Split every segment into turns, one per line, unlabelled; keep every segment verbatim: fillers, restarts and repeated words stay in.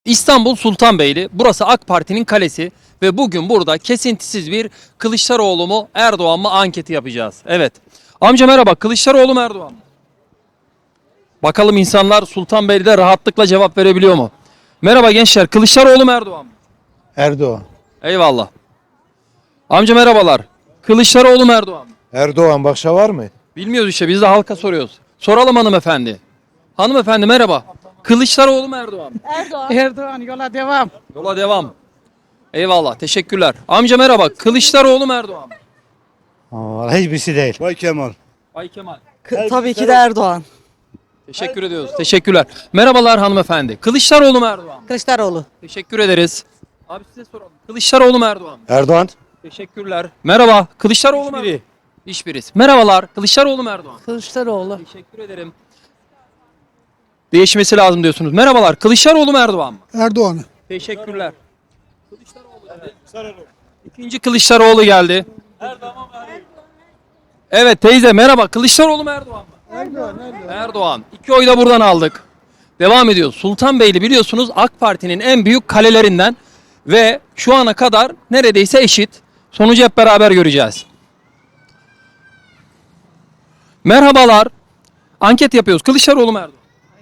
İstanbul Sultanbeyli, burası AK Parti'nin kalesi ve bugün burada kesintisiz bir Kılıçdaroğlu mu Erdoğan mı anketi yapacağız. Evet. Amca merhaba, Kılıçdaroğlu mu Erdoğan mı? Bakalım insanlar Sultanbeyli'de rahatlıkla cevap verebiliyor mu? Merhaba gençler, Kılıçdaroğlu mu Erdoğan mı?
Erdoğan.
Eyvallah. Amca merhabalar, Kılıçdaroğlu mu Erdoğan mı?
Erdoğan başka var mı?
Bilmiyoruz işte, biz de halka soruyoruz. Soralım hanımefendi. Hanımefendi merhaba. Kılıçdaroğlu mu Erdoğan mı?
Erdoğan.
Erdoğan yola devam.
Yola devam. Eyvallah, teşekkürler. Amca merhaba, Kılıçdaroğlu mu Erdoğan mı?
Aa, hiçbirisi değil.
Bay Kemal.
Bay Kemal.
Tabii ki de Erdoğan.
Teşekkür ediyoruz. Teşekkürler. Merhabalar hanımefendi. Kılıçdaroğlu mu Erdoğan mı?
Kılıçdaroğlu.
Teşekkür ederiz. Abi size soralım. Kılıçdaroğlu mu Erdoğan mı?
Erdoğan.
Teşekkürler. Merhaba. Kılıçdaroğlu mu Erdoğan mı? Hiçbirisi. Merhabalar. Kılıçdaroğlu mu Erdoğan mı?
Kılıçdaroğlu.
Teşekkür ederim. Değişmesi lazım diyorsunuz. Merhabalar. Kılıçdaroğlu mu Erdoğan mı?
Erdoğan.
Teşekkürler. Kılıçdaroğlu dedi. İkinci Kılıçdaroğlu geldi. Evet teyze merhaba. Kılıçdaroğlu mu Erdoğan mı? Erdoğan, Erdoğan. Erdoğan. İki oy da buradan aldık. Devam ediyoruz. Sultanbeyli biliyorsunuz AK Parti'nin en büyük kalelerinden ve şu ana kadar neredeyse eşit. Sonucu hep beraber göreceğiz. Merhabalar. Anket yapıyoruz. Kılıçdaroğlu mu Erdoğan?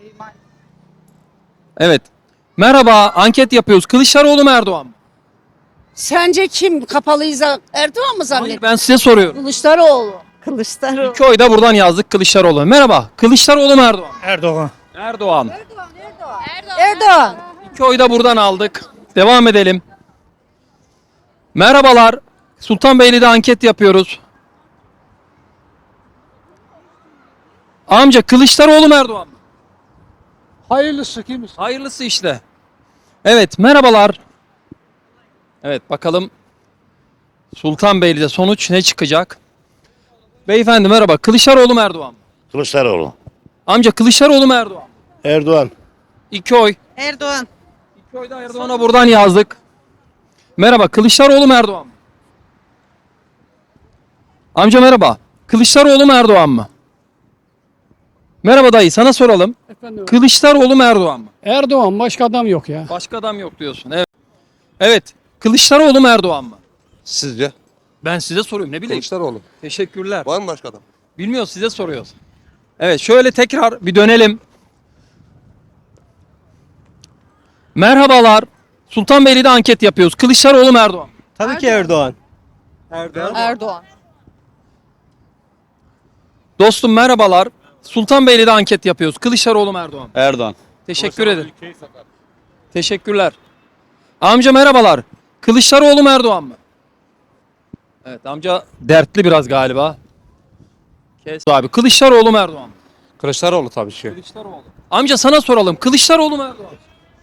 Evet. Merhaba. Anket yapıyoruz. Kılıçdaroğlu mu Erdoğan mı?
Sence kim kapalıysa Erdoğan mı
Hayır,
zannediyor?
ben size soruyorum.
Kılıçdaroğlu.
Kılıçdaroğlu.
İki oy da buradan yazdık Kılıçdaroğlu. Merhaba. Kılıçdaroğlu mu Erdoğan mı?
Erdoğan.
Erdoğan.
Erdoğan.
İki oy da buradan aldık. Devam edelim. Merhabalar. Sultanbeyli'de anket yapıyoruz. Amca Kılıçdaroğlu mu Erdoğan mı?
Hayırlısı kimiz?
Hayırlısı işte. Evet merhabalar. Evet bakalım Sultanbeyli'de sonuç ne çıkacak? Beyefendi merhaba. Kılıçdaroğlu mu Erdoğan mı?
Kılıçdaroğlu.
Amca Kılıçdaroğlu mu Erdoğan mı?
Erdoğan.
İki oy.
Erdoğan.
İki oy da Erdoğan'a buradan yazdık. Merhaba Kılıçdaroğlu mu Erdoğan mı? Amca merhaba. Kılıçdaroğlu mu Erdoğan mı? Merhaba dayı sana soralım.
Efendim,
Kılıçdaroğlu mu Erdoğan mı?
Erdoğan başka adam yok ya.
Başka adam yok diyorsun. Evet. Evet. Kılıçdaroğlu mu Erdoğan mı?
Sizce?
Ben size soruyorum ne bileyim.
Kılıçdaroğlu.
Teşekkürler.
Var mı başka adam?
Bilmiyoruz size soruyoruz. Evet şöyle tekrar bir dönelim. Merhabalar. Sultanbeyli'de anket yapıyoruz. Kılıçdaroğlu mu Erdoğan mı?
Tabii ki Erdoğan.
Erdoğan.
Dostum merhabalar. Sultanbeyli'de anket yapıyoruz. Kılıçdaroğlu mu Erdoğan mı?
Erdoğan.
Teşekkür ederim. Teşekkürler. Amca merhabalar. Kılıçdaroğlu mu Erdoğan mı? Evet amca dertli biraz galiba. Kes abi. Kılıçdaroğlu mu Erdoğan mı?
Kılıçdaroğlu tabii ki.
Kılıçdaroğlu. Amca sana soralım. Kılıçdaroğlu mu Erdoğan mı?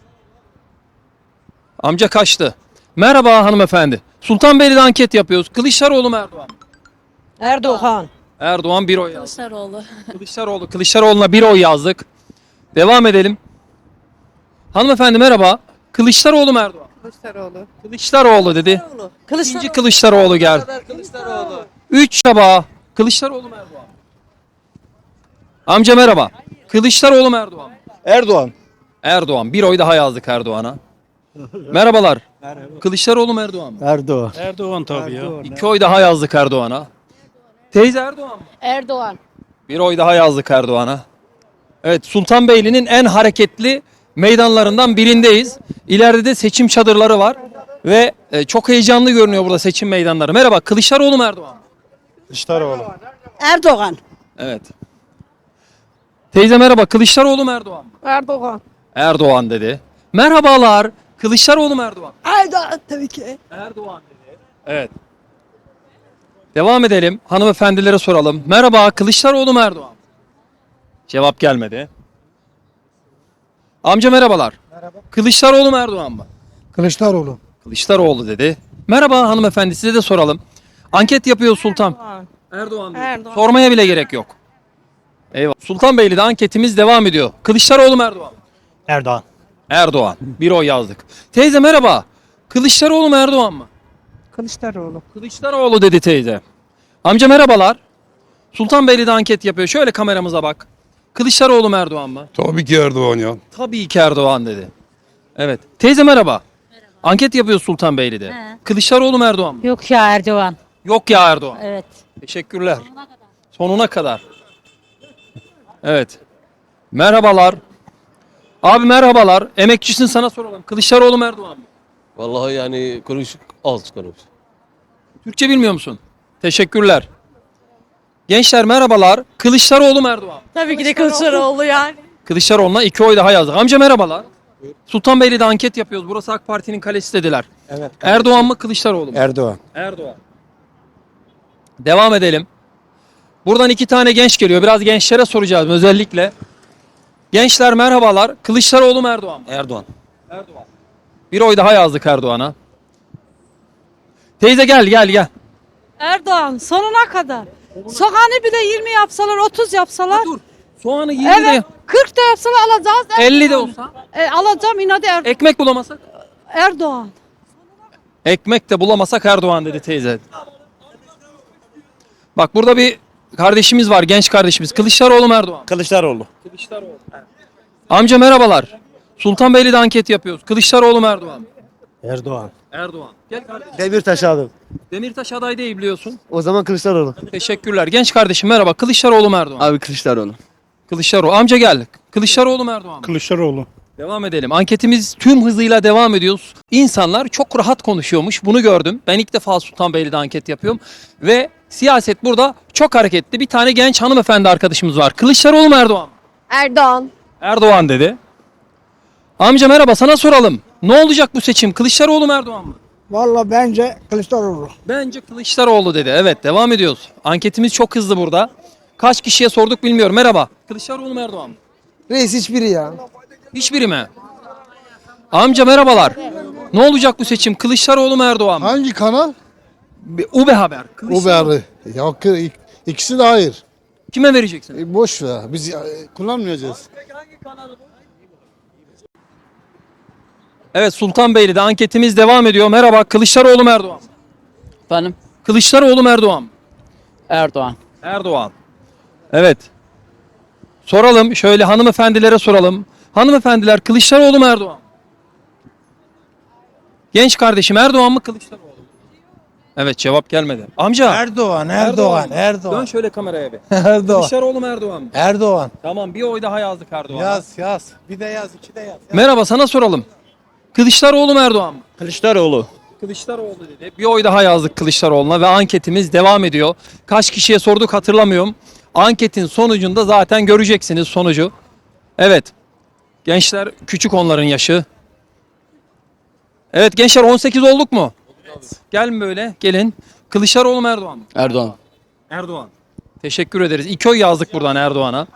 Amca kaçtı. Merhaba hanımefendi. Sultanbeyli'de anket yapıyoruz. Kılıçdaroğlu mu Erdoğan mı?
Erdoğan.
Erdoğan bir oy yazdı.
Kılıçdaroğlu.
Kılıçdaroğlu. Kılıçdaroğlu'na bir oy yazdık. Devam edelim. Hanımefendi merhaba. Kılıçdaroğlu mu Erdoğan mı?
Kılıçdaroğlu.
Kılıçdaroğlu dedi. İkinci Kılıçdaroğlu geldi.
Kılıçdaroğlu.
Üç çaba. Kılıçdaroğlu mu Erdoğan mı? Amca merhaba. Kılıçdaroğlu mu Erdoğan mı?
Erdoğan.
Erdoğan. Bir oy daha yazdık Erdoğan'a. Merhabalar. Kılıçdaroğlu mu Erdoğan mı?
Erdoğan.
Erdoğan tabii ya.
İki oy daha yazdık Erdoğan'a. Teyze Erdoğan mı?
Erdoğan.
Bir oy daha yazdık Erdoğan'a. Evet Sultanbeyli'nin en hareketli meydanlarından birindeyiz. İleride de seçim çadırları var. Ve e, çok heyecanlı görünüyor burada seçim meydanları. Merhaba Kılıçdaroğlu mu Erdoğan mı?
Kılıçdaroğlu.
Erdoğan.
Evet. Teyze merhaba Kılıçdaroğlu mu Erdoğan mı?
Erdoğan.
Erdoğan dedi. Merhabalar. Kılıçdaroğlu mu Erdoğan?
Erdoğan tabii ki.
Erdoğan dedi. Evet. Devam edelim. Hanımefendilere soralım. Merhaba Kılıçdaroğlu mu Erdoğan mı? Cevap gelmedi. Amca merhabalar. Merhaba. Kılıçdaroğlu mu Erdoğan mı?
Kılıçdaroğlu.
Kılıçdaroğlu dedi. Merhaba hanımefendi size de soralım. Anket yapıyor Sultan.
Erdoğan.
Erdoğan dedi.
Erdoğan.
Sormaya bile gerek yok. Eyvallah. Sultanbeyli'de anketimiz devam ediyor. Kılıçdaroğlu mu Erdoğan mı?
Erdoğan.
Erdoğan. Bir oy yazdık. Teyze merhaba. Kılıçdaroğlu mu Erdoğan mı?
Kılıçdaroğlu.
Kılıçdaroğlu dedi teyze. Amca merhabalar. Sultanbeyli'de anket yapıyor. Şöyle kameramıza bak. Kılıçdaroğlu mu Erdoğan mı?
Tabii ki Erdoğan ya.
Tabii ki Erdoğan dedi. Evet. Teyze merhaba. Anket yapıyoruz Sultanbeyli'de.
He.
Kılıçdaroğlu mu Erdoğan mı?
Yok ya Erdoğan.
Yok ya Erdoğan.
Evet.
Teşekkürler. Sonuna kadar. Evet. Merhabalar. Abi merhabalar. Emekçisin, sana soralım. Kılıçdaroğlu mu Erdoğan mı?
Vallahi yani konuşuk az konuş.
Türkçe bilmiyor musun? Teşekkürler. Gençler merhabalar. Kılıçdaroğlu mu Erdoğan mı?
Tabii ki de Kılıçdaroğlu yani.
Kılıçdaroğlu'na iki oy daha yazdık. Amca merhabalar. Sultanbeyli'de anket yapıyoruz. Burası AK Parti'nin kalesi dediler.
Evet.
Erdoğan mı Kılıçdaroğlu mu?
Erdoğan.
Erdoğan. Devam edelim. Buradan iki tane genç geliyor. Biraz gençlere soracağız özellikle. Gençler merhabalar. Kılıçdaroğlu mu Erdoğan mı?
Erdoğan.
Erdoğan. Bir oy daha yazdık Erdoğan'a. Teyze gel gel gel.
Erdoğan sonuna kadar. Soğanı bile yirmi yapsalar, otuz yapsalar.
Dur. Soğanı yirmi
Evet,
de
kırk da yapsalar alacağız.
elli de olsa.
E, alacağım inadı Er-
Ekmek bulamasak?
Erdoğan.
Ekmek de bulamasak Erdoğan dedi teyze. Bak burada bir kardeşimiz var, genç kardeşimiz. Kılıçdaroğlu mu Erdoğan mı?
Kılıçdaroğlu.
Kılıçdaroğlu. Amca merhabalar. Sultanbeyli'de anket yapıyoruz. Kılıçdaroğlu mu Erdoğan mı?
Erdoğan.
Erdoğan. Gel kardeşim.
Demirtaş abi.
Demirtaş aday değil biliyorsun.
O zaman Kılıçdaroğlu.
Teşekkürler. Genç kardeşim merhaba. Kılıçdaroğlu mu Erdoğan mı?
Abi Kılıçdaroğlu.
Kılıçdaroğlu. Amca gel. Kılıçdaroğlu mu Erdoğan mı?
Kılıçdaroğlu.
Devam edelim. Anketimiz tüm hızıyla devam ediyoruz. İnsanlar çok rahat konuşuyormuş. Bunu gördüm. Ben ilk defa Sultanbeyli'de anket yapıyorum. Ve siyaset burada çok hareketli. Bir tane genç hanımefendi arkadaşımız var. Kılıçdaroğlu mu Erdoğan mı?
Erdoğan.
Erdoğan dedi. Amca merhaba, sana soralım. Ne olacak bu seçim? Kılıçdaroğlu mu Erdoğan mı?
Valla bence Kılıçdaroğlu.
Bence Kılıçdaroğlu dedi. Evet, devam ediyoruz. Anketimiz çok hızlı burada. Kaç kişiye sorduk bilmiyorum. Merhaba. Kılıçdaroğlu mu Erdoğan mı?
Reis hiçbiri ya.
Hiçbiri mi? Amca merhabalar. Ne olacak bu seçim? Kılıçdaroğlu mu Erdoğan mı?
Hangi kanal?
Bir Ube Haber.
O
Kılıçdaroğlu.
beri. Ya ik- ikisi de hayır.
Kime vereceksin?
E, boş ver. Biz e, kullanmayacağız.
Evet, Sultanbeyli'de anketimiz devam ediyor. Merhaba. Kılıçdaroğlu mu Erdoğan mı?
Efendim?
Kılıçdaroğlu mu Erdoğan mı?
Erdoğan.
Erdoğan. Evet. Soralım. Şöyle hanımefendilere soralım. Hanımefendiler, Kılıçdaroğlu mu Erdoğan mı? Genç kardeşim, Erdoğan mı Kılıçdaroğlu mu? Evet, cevap gelmedi. Amca.
Erdoğan, Erdoğan,
mı?
Erdoğan.
Dön şöyle kameraya bir.
Erdoğan.
Kılıçdaroğlu mu Erdoğan mı?
Erdoğan.
Tamam, bir oy daha yazdık Erdoğan'a.
Yaz, yaz. Bir de yaz, iki de yaz.
Merhaba, sana soralım. Kılıçdaroğlu mu Erdoğan mı?
Kılıçdaroğlu.
Kılıçdaroğlu dedi. Bir oy daha yazdık Kılıçdaroğlu'na ve anketimiz devam ediyor. Kaç kişiye sorduk hatırlamıyorum. Anketin sonucunda zaten göreceksiniz sonucu. Evet. Gençler küçük, onların yaşı. Evet gençler, on sekiz olduk mu? Gelin böyle, gelin. Kılıçdaroğlu mu Erdoğan mı?
Erdoğan.
Erdoğan. Teşekkür ederiz. İki oy yazdık buradan Erdoğan'a.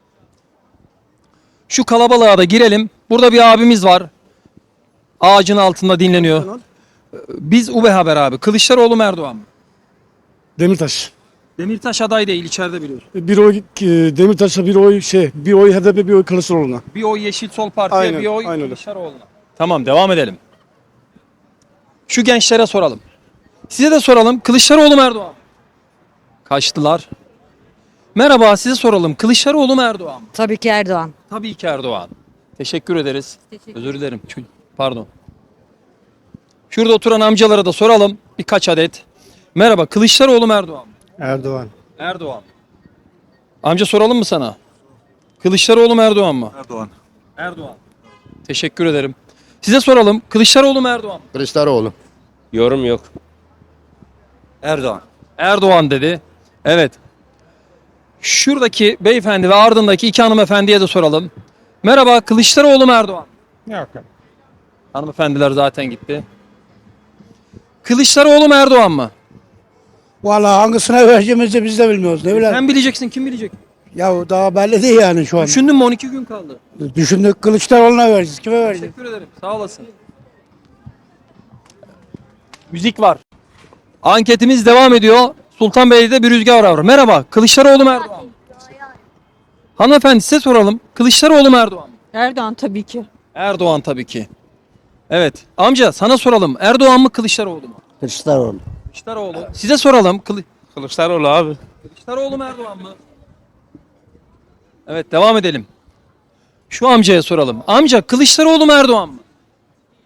Şu kalabalığa da girelim. Burada bir abimiz var. Ağacın altında dinleniyor. Biz Ube Haber abi. Kılıçdaroğlu mu Erdoğan mı?
Demirtaş.
Demirtaş aday değil, içeride biliyorsun.
Bir oy e, Demirtaş'a, bir oy şey, bir oy H D P, bir oy Kılıçdaroğlu'na.
Bir oy Yeşil Sol Parti'ye,
Aynen,
bir oy
aynen öyle.
Kılıçdaroğlu'na. Tamam, devam edelim. Şu gençlere soralım. Size de soralım. Kılıçdaroğlu mu Erdoğan mı? Kaçtılar. Merhaba, size soralım. Kılıçdaroğlu mu Erdoğan mı?
Tabii ki Erdoğan.
Tabii ki Erdoğan. Teşekkür ederiz. Özür dilerim. Çü- Pardon. Şurada oturan amcalara da soralım. Birkaç adet. Merhaba, Kılıçdaroğlu mu Erdoğan mı?
Erdoğan.
Erdoğan. Amca soralım mı sana? Kılıçdaroğlu mu Erdoğan mı?
Erdoğan.
Erdoğan. Teşekkür ederim. Size soralım. Kılıçdaroğlu mu Erdoğan mı?
Kılıçdaroğlu.
Yorum yok. Erdoğan.
Erdoğan dedi. Evet. Şuradaki beyefendi ve ardındaki iki hanımefendiye de soralım. Merhaba, Kılıçdaroğlu mu Erdoğan mı?
Yok.
Hanımefendiler zaten gitti. Kılıçdaroğlu mu Erdoğan mı?
Valla hangisine vereceğimizi biz de bilmiyoruz. Ne bileyim.
Sen bileceksin, kim bilecek?
Ya daha belli değil yani şu an.
Düşündün mü, on iki gün kaldı.
Düşündük, Kılıçdaroğlu'na vereceğiz. Kime vereceğiz?
Teşekkür ederim. Sağ olasın. Müzik var. Anketimiz devam ediyor. Sultanbeyli'de bir rüzgar var. Merhaba. Kılıçdaroğlu mu Erdoğan mı? Hanımefendi, size soralım. Kılıçdaroğlu mu Erdoğan mı?
Erdoğan tabii ki.
Erdoğan tabii ki. Evet. Amca sana soralım. Erdoğan mı Kılıçdaroğlu mu?
Kılıçdaroğlu.
Kılıçdaroğlu. Size soralım. Kılı
Kılıçdaroğlu abi.
Kılıçdaroğlu mu Erdoğan mı? Evet, devam edelim. Şu amcaya soralım. Amca, Kılıçdaroğlu mu Erdoğan mı?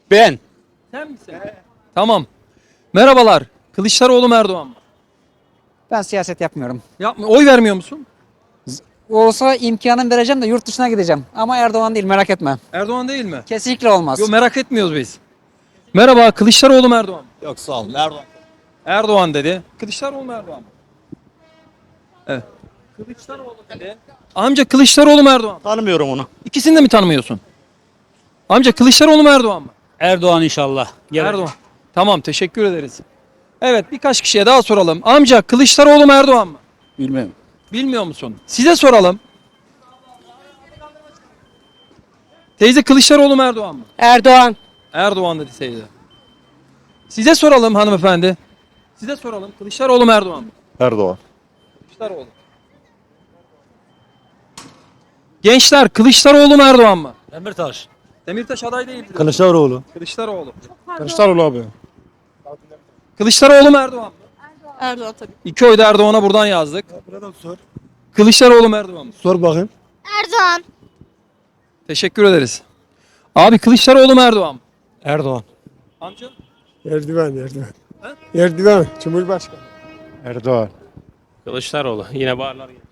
Ben.
Sen misin? Tamam. Merhabalar. Kılıçdaroğlu mu Erdoğan mı?
Ben siyaset yapmıyorum.
Yapma. Oy vermiyor musun?
Olsa imkanım vereceğim de yurt dışına gideceğim. Ama Erdoğan değil, merak etme.
Erdoğan değil mi?
Kesinlikle olmaz.
Yok, merak etmiyoruz biz. Merhaba. Kılıçdaroğlu mu Erdoğan mı?
Yok sağ olun Erdoğan.
Erdoğan dedi. Kılıçdaroğlu mu Erdoğan mı? Evet. Kılıçdaroğlu dedi. Amca Kılıçdaroğlu mu Erdoğan mı?
Tanımıyorum onu.
İkisini de mi tanımıyorsun? Amca Kılıçdaroğlu mu Erdoğan mı?
Erdoğan inşallah.
Erdoğan. Tamam, teşekkür ederiz. Evet, birkaç kişiye daha soralım. Amca Kılıçdaroğlu mu Erdoğan mı?
Bilmem.
Bilmiyor musun? Size soralım. Teyze Kılıçdaroğlu mu Erdoğan mı?
Erdoğan.
Erdoğan dedi teyze. Size soralım hanımefendi. Size soralım. Kılıçdaroğlu mu Erdoğan mı?
Erdoğan.
Kılıçdaroğlu. Gençler Kılıçdaroğlu mu Erdoğan mı?
Demirtaş.
Demirtaş aday değildir.
Kılıçdaroğlu.
Kılıçdaroğlu.
Kılıçdaroğlu abi.
Kılıçdaroğlu mu Erdoğan mı?
Erdoğan tabii.
İki oy da Erdoğan'a buradan yazdık. Kılıçdaroğlu mu Erdoğan mı?
Sor bakayım.
Erdoğan.
Teşekkür ederiz. Abi Kılıçdaroğlu mu Erdoğan mı?
Erdoğan.
Amca?
Erdoğan, Erdoğan. Erdoğan, Cumhurbaşkanı.
Erdoğan.
Kılıçdaroğlu. Yine bağırlar.